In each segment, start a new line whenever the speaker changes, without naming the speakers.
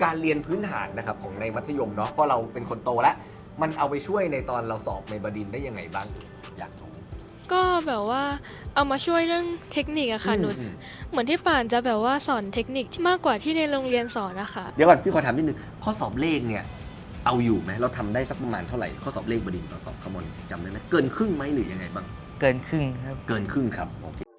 การเรียนพื้นฐานนะครับของในมัธยมเนาะเพราะเราเป็นคนโตแล้วมันเอาไปช่วยในตอนเราสอบในบดินทร์ได้ยังไงบ้างอยากรู้
ก็แบบว่าเอามาช่วยเรื่องเทคนิคอะค่ะหนูเหมือนที่ป่านจะแบบว่าสอนเทคนิคที่มากกว่าที่ในโรงเรียนสอนนะคะ
เดี๋ยวก่อนพี่ขอถามนิดนึงข้อสอบเลขเนี่ยเอาอยู่ไหมเราทำได้สักประมาณเท่าไหร่ข้อสอบเลขบดินทร์ตอนสอบคอมมอนจำได้ไหมเกินครึ่งไหมหรือยังไงบ้าง
เกินครึ่งครับ
เกินครึ่งครับโอเค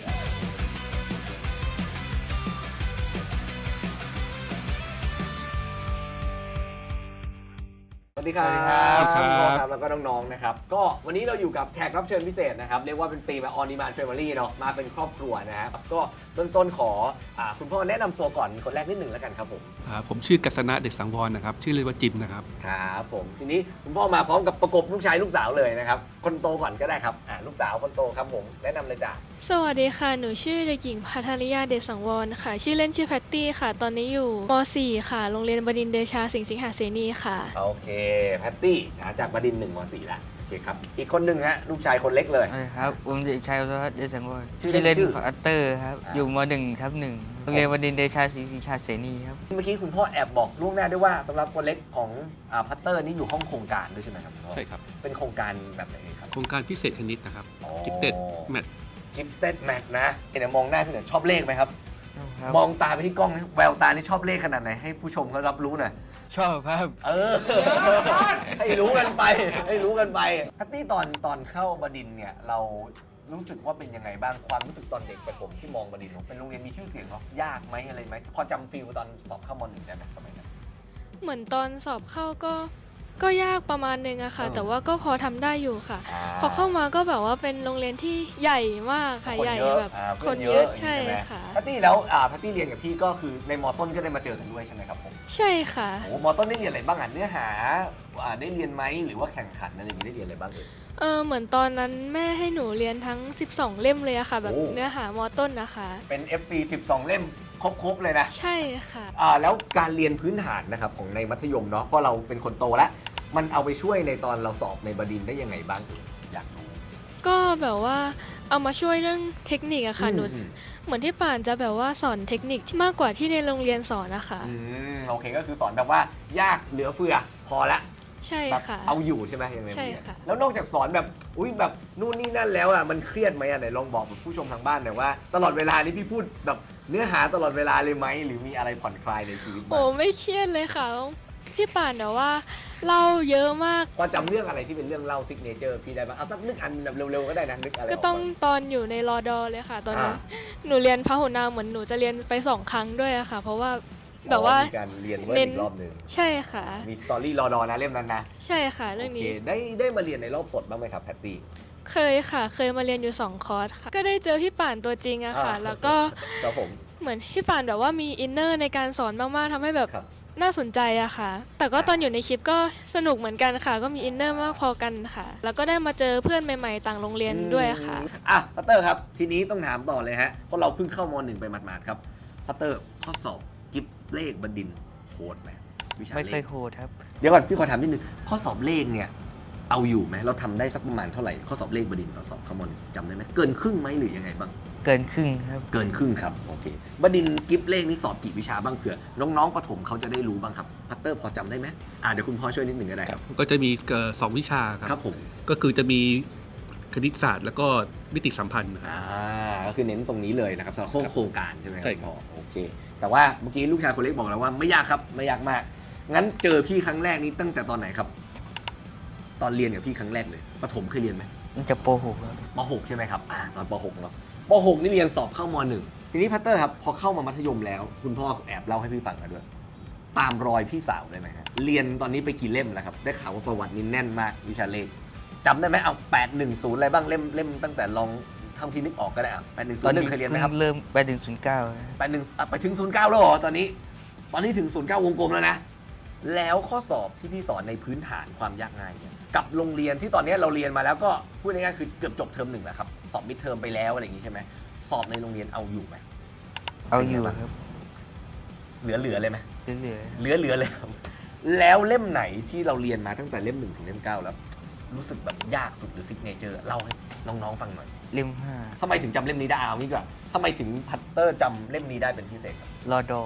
สวัสดีครับ
สวัสดีครับ
ครับแล้วก็น้องๆนะครับก็วันนี้เราอยู่กับแขกรับเชิญพิเศษนะครับเรียกว่าเป็นตีมแบบ On Demand Family เนาะมาเป็นครอบครัวนะครับก็เบื้องต้นขอคุณพ่อแนะนำตัวก่อนคนแรกนิดหนึ่งแล้วกันครับผม
ผมชื่อกัษณะเด็กสังวรนะครับชื่อเล่นว่าจิมนะครับ
ครับผมทีนี้คุณพ่อมาพร้อมกับประกบลูกชายลูกสาวเลยนะครับคนโตก่อนก็ได้ครับลูกสาวคนโตครับผมแนะนำเลยจ้ะ
สวัสดีค่ะ หนูชื่อเด็กหญิงภัทริยาเดชสังวรค่ะ ชื่อเล่นชื่อแพตตี้ค่ะ ตอนนี้อยู่ม .4 ค่ะ โรงเรียนบดินทร์เดชาสิงหาเสนีค่ะ
โอเคแพตตี้จากบดินทร์1 ม .4 แล้วโอเคครับอีกคนหนึ่งฮะลูกชายคนเล็กเลย
สวัสดีครับผมเด็กชายวัฒน์เดชสังวร
ชื่อเล่
ชื่อน เล่น
ชื่อ
พัตเตอร์ครับ อยู่ม .1/1 โรงเรียนบดินทร์เดชาศรีชาเสนีครับ
เมื่อกี้คุณพ่อแอบบอกล่วงหน้าด้วยว่าสำหรับคนเล็กของพัตเตอร์นี่อยู่ห้องโครงการด้วยใช่ไหมครับณพ่อ
ใช่ครับ
เป็นโครงการแบบไหนครับ
โครงการพิเศษคณิตนะครับ
อ๋อ
กิฟเต็ดแมท
กิฟเต็ดแมทนะเดี๋ยวมองหน้าพี่หน่อยชอบเลขไหมครับ
ครับ
มองตาไปที่กล้องนะแววตานี่ชอบเลขขนาดไหนให้ผู้ชมเขารับรู้หน่อย
ชอบครับ
ให้รู้กันไปให้รู้กันไปพัตตี้ตอนเข้าบดินทร์เนี่ยเรารู้สึกว่าเป็นยังไงบ้างความรู้สึกตอนเด็กประถมที่มองบดินทร์เป็นโรงเรียนมีชื่อเสียงเนาะยากไหมอะไรไหมพอจำฟีลตอนสอบเข้าม.1ได้ไหมสมัยนั้น
เหมือนตอนสอบเข้าก็ยากประมาณนึงอะค่ะ
เออ
แต่ว่าก็พอทำได้อยู่ค่ะ พอเข้ามาก็แบบว่าเป็นโรงเรียนที่ใหญ่มากค่ะ
คน
ใหญ่
เยอะ
แบบ
พื่
คนเยอะใช่
ไหม
ค่ะ
พัตตี้แล้วพัตตี้เรียนกับพี่ก็คือในมต้นก็ได้มาเจอกันด้วยใช่ไหมครับผม
ใช่ค่ะ
โอ้มต้นได้เรียนอะไรบ้างเนื้อหาได้เรียนไหมหรือว่าแข่งขันอะไรอย่างนี้ได้เรียนอะไรบ้าง
เหมือนตอนนั้นแม่ให้หนูเรียนทั้ง 12 เล่มเลยอะค่ะ แบบ
โอ้
เนื้อหามต้นนะคะ
เป็น FC 12 เล่มครบเลยนะ
ใช่ค่ะ
แล้วการเรียนพื้นฐานนะครับของในมัธยมเนาะเพราะเราเป็นคนโตแล้วมันเอาไปช่วยในตอนเราสอบในบดินทร์ได้ยังไงบ้างอยากรู้
ก็แบบว่าเอามาช่วยเรื่องเทคนิคอะค่ะหนูเหมือนที่ป่านจะแบบว่าสอนเทคนิคที่มากกว่าที่ในโรงเรียนสอนนะคะ
โอเคก็คือสอนแบบว่ายากเหลือเฟือพอละ
ใช่
แบบ
ค่ะ
เอาอยู่ใช่ไหมยังไง
ใช่ค่ะ
แล้วนอกจากสอนแบบอุ้ยแบบนู่นนี่นั่นแล้วมันเครียดไหมไหนลองบอกกับผู้ชมทางบ้านหน่อยว่าตลอดเวลานี้พี่พูดแบบเนื้อหาตลอดเวลาเลยไหมหรือมีอะไรผ่อนคลายในชีวิตบ้าง
โอ้ไม่เครียดเลยค่ะ พี่ป่านแต่ว่าเล่าเยอะมาก
พอจำเรื่องอะไรที่เป็นเรื่องเล่าซิกเนเจอร์พี่ได้บ้างเอาสักนึกอันแบบเร็วๆก็ได้นะนึกอะไร
ก็ต้องตอนอยู่ในรอดอเลยค่ะ ตอนนั้นหนูเรียนพหุนามเหมือนหนูจะเรียนไป2 ครั้งด้วยอะค่ะ เพราะว่าแบบว่า
มีการเรียนเวิร์ดอีกรอบหนึ่ง
ใช่ค่ะ
มีสตอรี่รอดอนะเล่มนั้นนะ
ใช่ค่ะ เรื่อง
โอเค
นี้
ได้มาเรียนในรอบสดบ้างไหมครับแพตตี้
เคยค่ะ เคยมาเรียนอยู่2 คอร์สค่ะ ก็ได้เจอพี่ป่านตัวจริงอะค่ะ แล้วก็
ครับผม
เหมือนพี่ป่านแบบว่ามีอินเนอร์ในการสอนมากๆทำให้แบบ
ครับ
น่าสนใจอะค่ะ แต่ก็ตอนอยู่ในคลิปก็สนุกเหมือนกันค่ะ ก็มีอินเนอร์มากพอกันค่ะ แล้วก็ได้มาเจอเพื่อนใหม่ๆต่างโรงเรียนด้วยค่ะ
พัตเตอร์ครับทีนี้ต้องถามต่อเลยฮะเพราะเราเพิ่งเข้าม.1 ไปหมาดๆครับพัตเตอร์ข้อสอบกิฟเลขบดินทร์โหดไหมวิชา
ไม่
เล
เคย
ข
โหดครับ
เดี๋ยวก่อนพี่ขอถามนิดนึงข้อสอบเลขเนี่ยเอาอยู่ไหมเราทำได้สักประมาณเท่าไหร่ข้อสอบเลขบดินทร์ตอนสอบคอมมอนจำได้ไหมเกินครึ่งไหมหรือยังไงบ้าง
เกินครึ่งครับ
เกินครึ่งครับโอเคบดินทร์กิฟเลขนี่สอบกี่วิชาบ้างเผื่อน้องๆประถมเขาจะได้รู้บ้างครับพัตเตอร์พอจำได้ไหมเดี๋ยวคุณพ่อช่วยนิดหนึ่งก็ได้ครับ
ก็จะมี2 วิชาค
ครั
รั
บบ ผม
ก็คือจะมีคณิตศาสตร์แล้วก็มิติสัมพันธ์นะครับ
ก็คือเน้นตรงนี้เลยนะครับสำหรับโครงการใช่ไหมครับ
ใช่ครับ
พ่อโอเค แต่ว่าเมื่อกี้ลูกชายคนเล็กบอกแล้วว่าไม่ยากครับไม่ยากมาก งั้นเจอพี่ครั้งแรกนี้ตั้งแต่ตอนไหนครับ ตอนเรียนกับพี่ครั้งแรกเลยประถมเคยเรียนไหม
มันจะโปรหกครับ
ป .6 ใช่ไหมครับตอนป .6 เนาะป .6 นี่เรียนสอบเข้าม.1 ทีนี้พัตเตอร์ครับพอเข้ามามัธยมแล้ว คุณพ่อแอบเล่าให้พี่ฟังกันด้วย ตามรอยพี่สาวได้ไหมฮะเรียนตอนนี้ไปกี่เล่มแล้วครับได้ข่าวว่าประวัตินี่แน่นมากวิชาเลขจำได้ไหมเอา810อะไรบ้างเล่มตั้งแต่ลองทำทีนึกออกก็ได้810เคยเรียนไหมครับ
เริ่มไปถึง09
ไปถึง09แล้วเหรอตอนนี้ถึง09วงกลมแล้วนะแล้วข้อสอบที่พี่สอนในพื้นฐานความยากง่ายเนี่ยกับโรงเรียนที่ตอนนี้เราเรียนมาแล้วก็พูดง่ายๆคือเกือบจบเทอม 1แล้วครับสอบมิดเทอมไปแล้วอะไรอย่างนี้ใช่ไหมสอบในโรงเรียนเอาอยู่ไหม
เอาอยู่ครับ
เหลือเลยไหม
เหลือ
เหลือเลยครับแล้วเล่มไหนที่เราเรียนมาตั้งแต่เล่ม 1 ถึงเล่ม 9 แล้ว รู้สึกแบบยากสุดหรือซิกเนเจอร์เล่าให้น้องๆฟังหน่อย
เล่ม
ทำไมถึงจำเล่มนี้ได้เอางี้ก่อนทำไมถึงพัตเตอร์จำเล่มนี้ได้เป็นพิเศษครับ
5รอดอครับ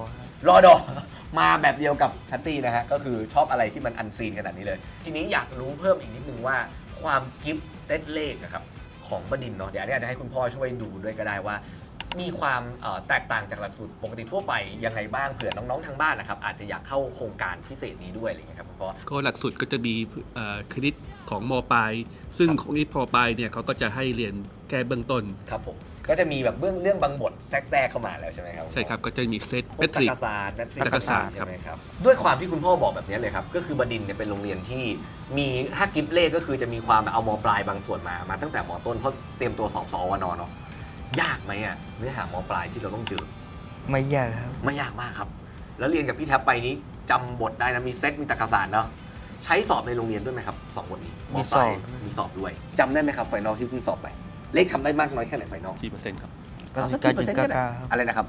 รอดอ มาแบบเดียวกับแพตตี้นะฮะก็คือชอบอะไรที่มันอันซีนขนาดนี้เลย ทีนี้อยากรู้เพิ่มอีกนิดนึงว่าความกิฟต์เต็ดเลขอะครับของบดินทร์เนาะเดี๋ยวอันนี้อาจจะให้คุณพ่อช่วยดูด้วยก็ได้ว่า มีความแตกต่างจากหลักสูตรปกติทั่วไปยังไงบ้างเผื่อน้องๆทางบ้านนะครับอาจจะอยากเข้าโครงการพิเศษนี้ด้วยอะไรอย่างเงี้ยครับคุณพ่อ
ก็หลักสูตรก็จะมีคณิตของมปลายซึ่ง
ครับ
ของนี้มปลายเนี่ยเขาก็จะให้เรียนแก้เบื้องต้น
ครับผมก็จะมีแบบเรื่องบางบทแทรกเข้ามาแล้วใช่ไหมครับ
ใช่ครับก็จะมีเซต
พ
เม
วก
ท
ตร
ริก
รกศาสตร์แมทริ
ตรรกศาสตร์
ใช่ไหมครับด้วยความที่คุณพ่อบอกแบบนี้เลยครับก็คือบดินทร์เนี่ยเป็นโรงเรียนที่มีถ้ากิฟเลขก็คือจะมีความเอามปลายบางส่วนมาตั้งแต่มต้นเพราะเตรียมตัวสอบสอวนเนาะยากไหมอ่ะเนื้อหามปลายที่เราต้องเจอ
ไม่ยากครับ
ไม่ยากมากครับ แล้วเรียนกับพี่แท็บไปนี้จำบทได้นะมีเซตมีตรรกศาสตร์เนาะใช้สอบในโรงเรียนด้วยไหมครับสองบทนี้มปลายมีสอบด้วยจำได้ไหมครับไฟนอลที่เพิ่งสอบไปเลขทำได้มากน้อยแค่ไหนไฟนอล
กี่เปอร์เซ็นต์ครับ
99.99ครับ
อะไรนะครับ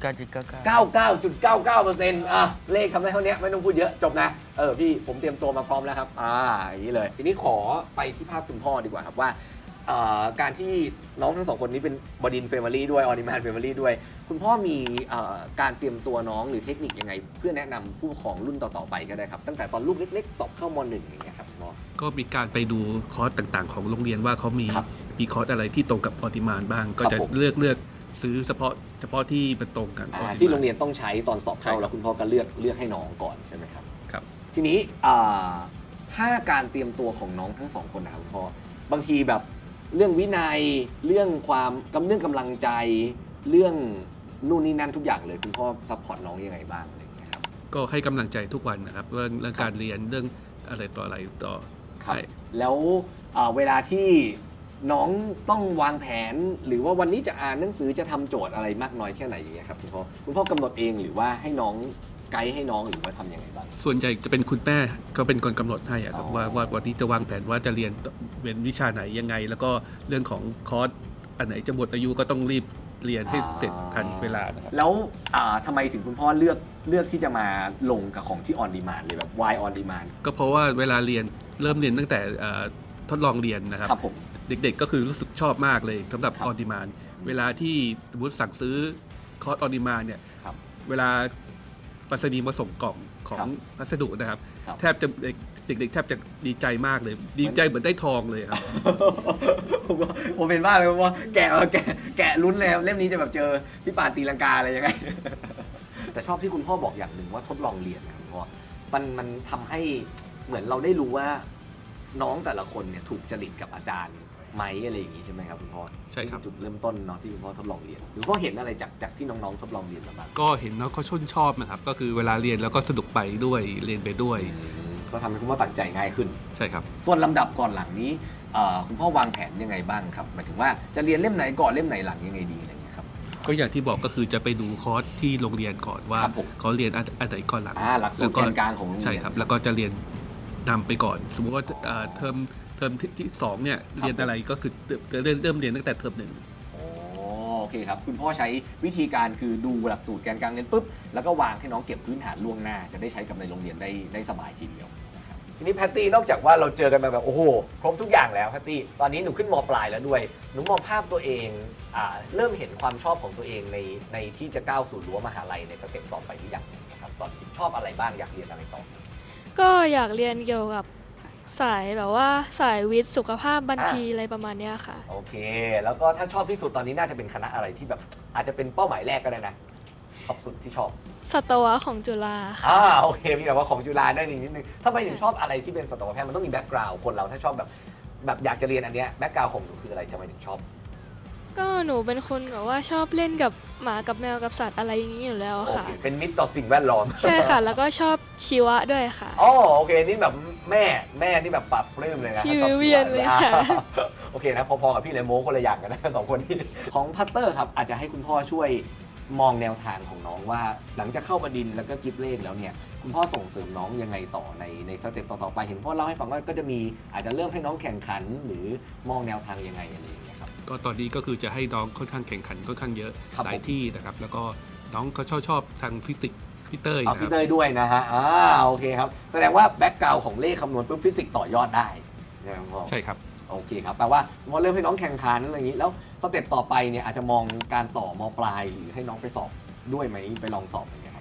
99.99
99.99%อ่ะเลขทำได้เท่านี้ไม่ต้องพูดเยอะจบนะพี่ผมเตรียมตัวมาพร้อมแล้วครับอย่างนี้เลยทีนี้ขอไปที่ภาพคุณพ่อดีกว่าครับว่าการที่น้องทั้งสองคนนี้เป็นบดินเฟมิลี่ด้วยออนิมานเฟมิลี่ด้วยคุณพ่อมีการเตรียมตัวน้องหรือเทคนิคยังไง เพื่อแนะนำผู้ปกครองรุ่นต่อๆไปก็ได้ครับตั้งแต่ตอนลูกเล็กๆสอบเข้าม.1 อย่างเงี้ยครับคุณพ่อ
ก็มีการไปดูคอร์สต่างๆ ของโรงเรียนว่าเขามี
ครับ
คอร์สอะไรที่ตรงกับออติมานบ้าง ก็
ครับ
จะ
ผม
เลือกซื้อเฉพาะที่มันตรงกัน
ที่
on-demand
โรงเรียนต้องใช้ตอนสอบเข้า
ใช่ครับ
แล้วคุณพ่อก็เลือกให้น้องก่อนใช่ไหมครับ
ครับ
ทีนี้ถ้าการเตรียมตัวของน้องทั้งสองคนนะครับคุณพ่อบางทีแบบเรื่องวินัยเรื่องเรื่องกำลังใจเรื่องนู่นนี่นั่นทุกอย่างเลยคุณพ่อซัพพอร์ตน้องยังไงบ้างอะไรอย่างเงี้ยครับ
ก็ให้กำลังใจทุกวันนะครับเรื่องการเรียนเรื่องอะไรต่ออะไรต่อ
ครับ
ใช่
แล้วเวลาที่น้องต้องวางแผนหรือว่าวันนี้จะอ่านหนังสือจะทำโจทย์อะไรมากน้อยแค่ไหนอย่างเงี้ยครับคุณพ่อกำหนดเองหรือว่าให้น้องไกด์ให้น้องหรือว่าทำยังไงบ้าง
ส่วนใหญ่จะเป็นคุณแม่ก็เป็นคนกำหนดให้อะครับ
อ๋อ
ว่าวันนี้จะวางแผนว่าจะเรียนวิชาไหนยังไง แล้วก็เรื่องของคอร์สอันไหนจะหมดอายุก็ต้องรีบเรียนให้เสร็จทันเวลานะครับ
แล้วทำไมถึงคุณพ่อเลือกที่จะมาลงกับของที่ on demand เลยแบบ why on demand
ก็เพราะว่าเวลาเริ่มเรียนตั้งแต่ทดลองเรียนนะครับ
ครับผม
เด็กๆก็คือรู้สึกชอบมากเลยสำหรับ
ครับ
ออดิมานเวลาที่สมมติสั่งซื้อคอร์สออดิมานเนี่ย
ครับ
เวลาไปรษณีย์มาส่งกล่องขอ
ครั
ง
บ
พัสดุนะครับ
ครับ
แทบจะเด็กๆแทบจะดีใจมากเลย ดีใจเหมือนได้ทองเลยครับ
ผมเป็นบ้าเลยว่าแกะลุ้นเลยครับเล่มนี้จะแบบเจอพี่ปานตีลังกาอะไรยังไง แต่ชอบที่คุณพ่อบอกอย่างหนึ่งว่าทดลองเรียนนะครับคุณพ่อมันทำให้เหมือนเราได้รู้ว่าน้องแต่ละคนเนี่ยถูกจริตกับอาจารย์ไหมอะไรอย่างนี้ใช่ไหมครับคุณพ่อ
ใช่ครับ
จุดเริ่มต้นเนาะที่คุณพ่อทดลองเรียนคุณพ่อเห็นอะไรจากที่น้องๆทดลองเรียนมาบ้าง
ก็เห็นน้องเขาชอบนะครับก็คือเวลาเรียนแล้วก็สนุกไปด้วยเรียนไปด้วย
ก็ทำให้คุณพ่อตัดใจง่ายขึ้น
ใช่ครับ
ส่วนลำดับก่อนหลังนี้คุณพ่อวางแผนยังไงบ้างครับหมายถึงว่าจะเรียนเล่มไหนก่อนเล่มไหนหลังยังไงดีอะไรอย่างเงี้ยครับ
ก็อย่างที่บอกก็คือจะไปดูคอร์สที่โรงเรียนก่อนว่า
ครับผม
เขาเรียนอันไหนก่อนหลัง
หลักสูตรแกนกลางของโรงเรียน
ใช่ครับ แล้วก็จะเรียนนำไปก่อน สมมุติว่าเทอมที่สองเนี่ยเรียนอะไรก็คือเริ่มเรียนตั้งแต่เทอมหนึ่ง
โอเคครับคุณพ่อใช้วิธีการคือดูหลักสูตรแกนกลางเรียนปุ๊บแล้วก็วางให้น้องเก็บพื้นฐานล่วงหน้าจะได้ใช้กับในโรงเรียนได้สบายทีเดียวนะครับทีนี้แพตตี้นอกจากว่าเราเจอกันมาแบบโอ้โหครบทุกอย่างแล้วแพตตี้ตอนนี้หนูขึ้นม.ปลายแล้วด้วยหนูมองภาพตัวเองเริ่มเห็นความชอบของตัวเองในที่จะก้าวสู่รั้วมหาลัยในสเต็ปต่อไปหรือยังนะครับตอนนี้ชอบอะไรบ้างอยากเรียนอะไรต่อ
ก็อยากเรียนเกี่ยวกับสายแบบว่าสายวิทย์สุขภาพบัญชีอะไรประมาณเนี้ยค่ะ
โอเค แล้วก็ถ้าชอบที่สุดตอนนี้น่าจะเป็นคณะอะไรที่แบบอาจจะเป็นเป้าหมายแรกก็ได้นะชอบสุดที่ชอบ
สัตวะของจุฬาค่ะ
โอเคมีแบบว่าของจุฬาได้นิดนึงทำไมถึงชอบอะไรที่เป็นสัตวแพทย์มันต้องมีแบ็กกราวด์คนเราถ้าชอบแบบอยากจะเรียนอันเนี้ยแบ็กกราวด์ของหนูคืออะไรทำไมถึงชอบ
ก็หนูเป็นคนแบบว่าชอบเล่นกับหมากับแมวกับสัตว์อะไรอย่างนี้อยู่แล้ว
โอ
ค่ะ
เคเป็นมิตรต่อสิ่งแวดล้อม
ใช่ค่ะ แล้วก็ชอบชีวะด้วยค่ะ
โอเคนี่แบบแม่นี่แบบปรับปลื้มเลยนะ
พี่
ชอบ
วิเวียนเลยค่ะ
โอเคนะพอๆกับพี่เลยโม้คนละอย่างกันนะ สองคนนี้ของพัตเตอร์ครับอาจจะให้คุณพ่อช่วยมองแนวทางของน้องว่าหลังจากเข้าบดินทร์แล้วก็กิฟเลนแล้วเนี่ยคุณพ่อส่งเสริมน้องยังไงต่อในสเต็ปต่อๆไปเห็นพ่อเล่าให้ฟังว่าก็จะมีอาจจะเริ่มให้น้องแข่งขันหรือมองแนวทางยังไงอะไรอย่างเงี้ยครับ
ก็ตอนนี้ก็คือจะให้น้องค่อนข้างแข่งขันค่อนข้างเยอะ
ครับ
หลายที่นะครับ แล้วก็น้องก็ชอบทางฟิสิกส์พี่เต้ย
เอา
นะค
พี่
รับ
เต้ยด้วยนะฮะโอเคครับแสดงว่าแบ็กกราวของเลขคำนวณปุ๊บฟิสิกส์ต่อยอดได้ใช่ไหมพ่อ
ใช่ครับ
โอเคครับแปลว่าพอเริ่มให้น้องแข่งขันอะไรอย่างนี้แล้วสเต็ปต่อไปเนี่ยอาจจะมองการต่อมปลายหรือให้น้องไปสอบด้วยไหมไปลองสอบอย่างเงี้ยครับ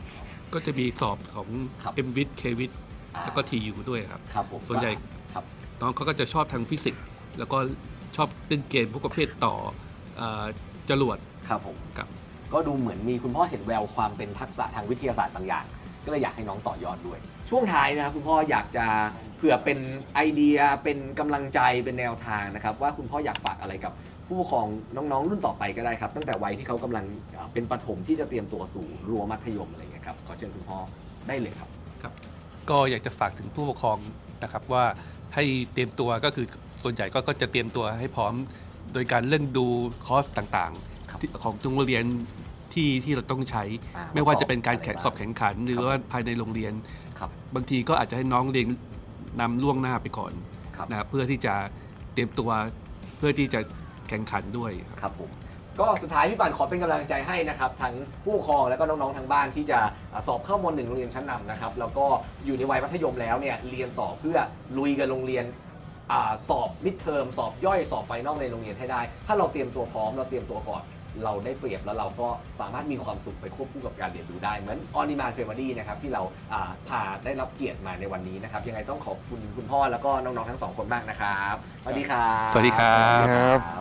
ก็จะมีสอบของ
ครับ
MVIT KVIT แล้วก็ TU ด้วยครับ
ครับผม
ส่วนใหญ่
ครับ
น้องเขาก็จะชอบทางฟิสิกส์แล้วก็ชอบเล่นเกมพวกประเภทต่อจรวด
ครับผม
กับ
ก็ดูเหมือนมีคุณพ่อเห็นแววความเป็นทักษะทางวิทยาศาสตร์บางอย่าง ก็เลยอยากให้น้องต่อยอดด้วย ช่วงท้ายนะครับคุณพ่ออยากจะเผื่อเป็นไอเดียเป็นกำลังใจเป็นแนวทางนะครับว่าคุณพ่ออยากฝากอะไรกับผู้ปกครองน้องๆ รุ่นต่อไปก็ได้ครับ ตั้งแต่วัยที่เขากำลังเป็นประถมที่จะเตรียมตัวสู่รั้วมัธยมอะไรอย่างเงี้ยครับขอเชิญคุณพ่อได้เลยครับ
ครับก็อยากจะฝากถึงผู้ปกครองนะครับว่าให้เตรียมตัวก็คือส่วนใหญ่ก็จะเตรียมตัวให้พร้อมโดยการเรื่องดูคอร์สต่าง
ครับ
ๆของโรงเรียนที่เราต้องใช้ ไม่ว่าจะเป็นการสอบแข่งขันหรือว่าภายในโรงเรียน
ครับ
บางทีก็อาจจะให้น้องเรียนนำล่วงหน้าไปก่อน
ครับ
นะครับเพื่อที่จะเตรียมตัวเพื่อที่จะแข่งขันด้วยครับ
ครับผมก็สุดท้ายพี่ปั่นขอเป็นกำลังใจให้นะครับทั้งผู้ปกครองแล้วก็น้องๆทางบ้านที่จะสอบเข้าม.1 โรงเรียนชั้นนำนะครับแล้วก็อยู่ในวัยมัธยมแล้วเนี่ยเรียนต่อเพื่อลุยกับโรงเรียนสอบมิดเทอมสอบย่อยสอบไฟนอลในโรงเรียนให้ได้ ถ้าเราเตรียมตัวพร้อมเราเตรียมตัวก่อนเราได้เปรียบแล้วเราก็สามารถมีความสุขไปควบคู่กับการเรียนรู้ได้เหมือนออนิมานเฟเวอรี่นะครับที่เราพาได้รับเกียรติมาในวันนี้นะครับยังไงต้องขอบคุณคุณพ่อแล้วก็น้องๆทั้งสองคนมากนะครับสวัสดีครับ
สวัสดีครับ
สวัสดีครับ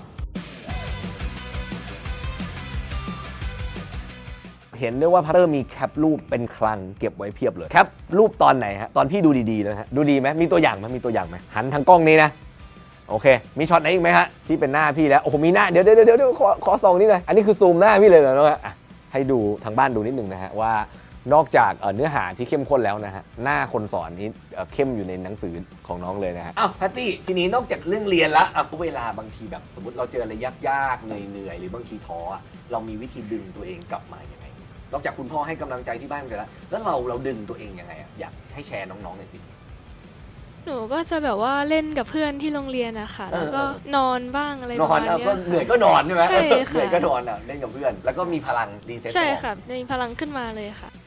เห็นด้วยว่าพัตเตอร์มีแคปรูปเป็นคลังเก็บไว้เพียบเลยแคปรูปตอนไหนฮะตอนพี่ดูดีๆเลยฮะดูดีไหมมีตัวอย่างไหมมีตัวอย่างไหมหันทางกล้องนี้นะโอเคมีช็อตไหนอีกไหมฮะที่เป็นหน้าพี่แล้วโอ้โหมีหน้าเดี๋ยวขอส่องนี่เลยอันนี้คือซูมหน้าพี่เลยเหรอน้องฮะให้ดูทางบ้านดูนิดนึงนะฮะว่านอกจากเนื้อหาที่เข้มข้นแล้วนะฮะหน้าคนสอนนี่เข้มอยู่ในหนังสือของน้องเลยนะฮะอ้าวแพตตี้ทีนี้นอกจากเรื่องเรียนละเวลาบางทีแบบสมมติเราเจออะไรยากๆเหนื่อยๆหรือบางทีท้อเรามีวิธีดึงตัวเองกลับมายังไงนอกจากคุณพ่อให้กำลังใจที่บ้านกันแล้วเราดึงตัวเองยังไงอยากให้แชร์น้องๆหน่อยสิ
หนูก็จะแบบว่าเล่นกับเพื่อนที่โรงเรียนอะค่ะแล้วก็นอนบ้างอะไร
น
ป
อ
ระ
น
มาณ
ก็
เนี้ย
เหนื่อย
ค่ะ
ก็นอนใช่ไหม
ใช่ค่ะ
เหนื่อยก็นอนเล่นกับเพื่อน แล้วก็มีพลังรีเซ็ต
ใช่ค่ะมีพลังขึ้นมาเลยค่ะ